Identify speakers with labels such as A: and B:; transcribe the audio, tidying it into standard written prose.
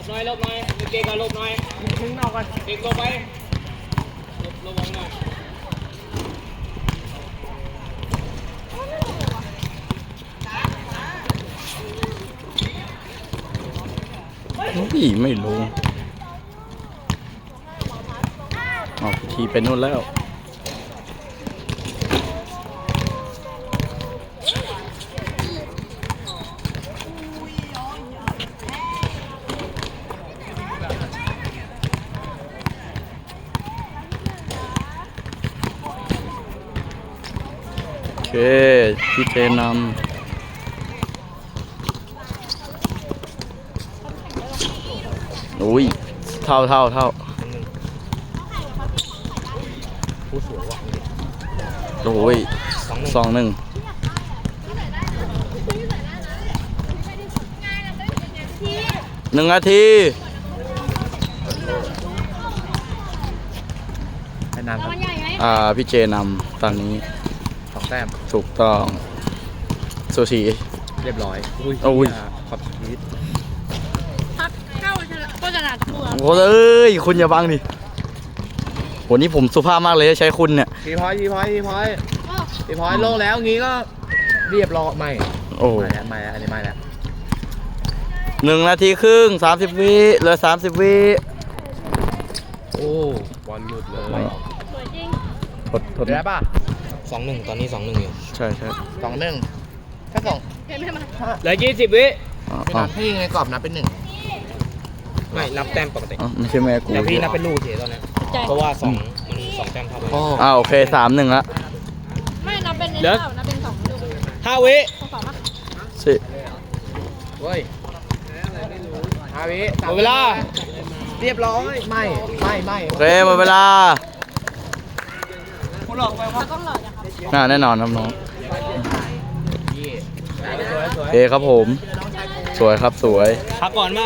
A: หน่อยเก่งกันหลบหน่อยมึงนอกกันเก่งหลบไปหลบหน่อย
B: นี่ไม่ลงออกทีไปนู่นแล้วโอเคพี่เจนำอุ้ยเท่า
A: ผู้สวยว่ะ
B: โอ้ย2-1 1 นาที
C: ให้นำครับ
B: พี่เจนำตอนนี้
C: 2 แต้ม
B: ถูกต้องซูชิ
C: เรียบร้อย
B: อุ้ย
C: ขอบชีวิต
D: พักเข้าก็จะหนักตัว
B: โอ้เอ้ยคุณอย่าบังดิโหนี่ผมสุภาพมากเลยใช้คุณเนี่ย
C: ทีพอยโล่งแล้วงี้ก็เรียบร้อยไม่
B: โอ้
C: ไม่แล้วอันนี้ไม่แล้ว
B: 1 นาทีครึ่ง30 วิเหลือ30 วิ
C: โอ้บอลหลุดเลย
D: สวยจริง
B: ทด
C: ได้ป่ะ
A: 2-1ตอนนี้ 2-1อยู่
B: ใช่
C: 2-1ถ้า2
D: เห็นไหมมา
A: เหลือ20 วิ
C: ไม่นับให้ยิงในกรอบนับเป็น
A: ไม่นับแต้มปกติ
B: ไม่ใช่แม่กู
A: แต่พี่นับเป็นลูกเฉยตอนนี้
D: ใจ
A: เพราะว่ามัน2แต้มเท่ากัน
C: 1โอ้
B: โอเค3-1ละ
D: ไม่นับเป็น
A: เหลือ
D: นับเป็น2ลูก
A: 5 วิ
D: สองปะ
B: สิ
C: เว้ย5 วิ
A: หมดเวลา
C: เรียบร้อยไม่
B: โอเคหมดเวลา
D: เราต้องหล่อจ้ะครับ
B: แน่นอนครับน้อง
C: ยี่
B: โอเคครับผม สวยครับสวย
A: พักก่อนมา